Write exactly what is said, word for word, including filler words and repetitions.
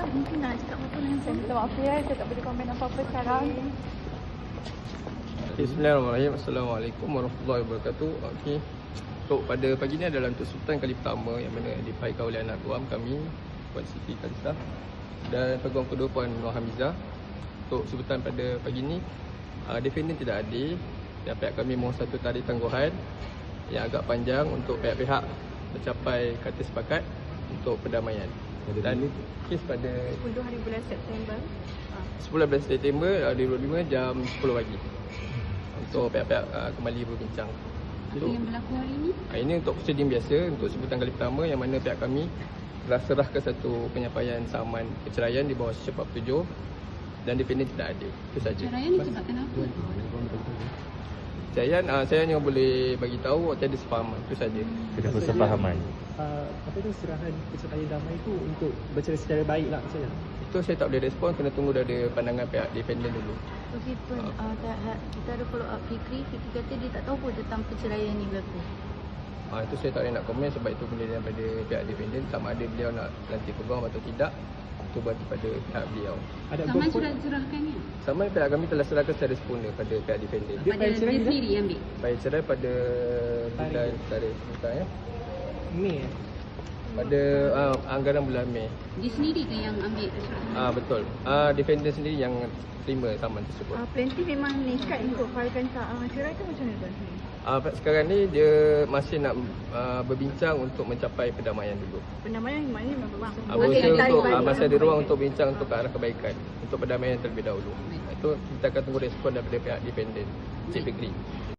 Dah mungkin nak cakap apa dengan Saya minta maaf ya, saya tak boleh komen apa-apa sekarang. Bismillahirrahmanirrahim. Assalamualaikum warahmatullahi wabarakatuh. Okey. Untuk pada pagi ni adalah untuk sebutan kali pertama yang mana dipakai oleh anak guam kami, Puan Siti Khalisah dan peguam kedua Puan Nur Hamizah. Untuk sebutan pada pagi ni, uh, defendant tidak hadir dan pihak kami mohon satu tarikh tangguhan yang agak panjang untuk pihak-pihak mencapai kata sepakat untuk perdamaian. Dan kes pada sepuluh hari bulan September. sepuluh belas September dua ribu dua puluh lima jam sepuluh pagi untuk pihak-pihak uh, kembali berbincang. Apa yang berlaku hari ini? Uh, ini untuk prosedur biasa untuk sebutan kali pertama yang mana pihak kami telah serahkan satu penyampaian saman perceraian di bawah secepat petujuh dan defendant tidak ada. Itu saja. Perceraian disebabkan apa? Perceraian uh, saya hanya boleh bagi tahu tiada sefahaman. Itu saja. Tidak bersefahaman. Uh, apa tu serahan perceraian damai itu untuk bercerai secara baik lah maksudnya? Itu saya tak boleh respon, kena tunggu dari pandangan pihak defendant dulu. Okey Puan, uh, kita ada follow up Fikri. Fikri kata dia tak tahu pun tentang perceraian ni berlaku. Uh, itu saya tak boleh nak komen sebab itu benda daripada pihak defendant, sama ada beliau nak lantik peguam atau tidak. Itu berarti pada pihak beliau. Ada Saman gopon- sudah diserahkan ya? Sama pihak kami telah serahkan secara sempurna pada pihak defendant. Dia Pada file cerai dia bila? sendiri ambil? Baik cerai pada bulan Tarikh. tarikh bukan ya. Mei eh? Pada uh, anggaran bulan Mei. Dia sendiri ke yang ambil perceraian? Ah uh, betul. Ah uh, defendant sendiri yang terima saman tersebut. Uh, plaintiff memang nekat untuk filekan uh, cerai tu macam mana tuan? Ah uh, sekarang ni dia masih nak uh, berbincang untuk mencapai perdamaian dulu. Pendamaian maknanya memang berang. Ah, berusaha untuk uh, masih ada ruang untuk bincang untuk ke arah kebaikan, untuk perdamaian terlebih dahulu. Itu kita akan tunggu respon daripada pihak defendant, Cik Fikri.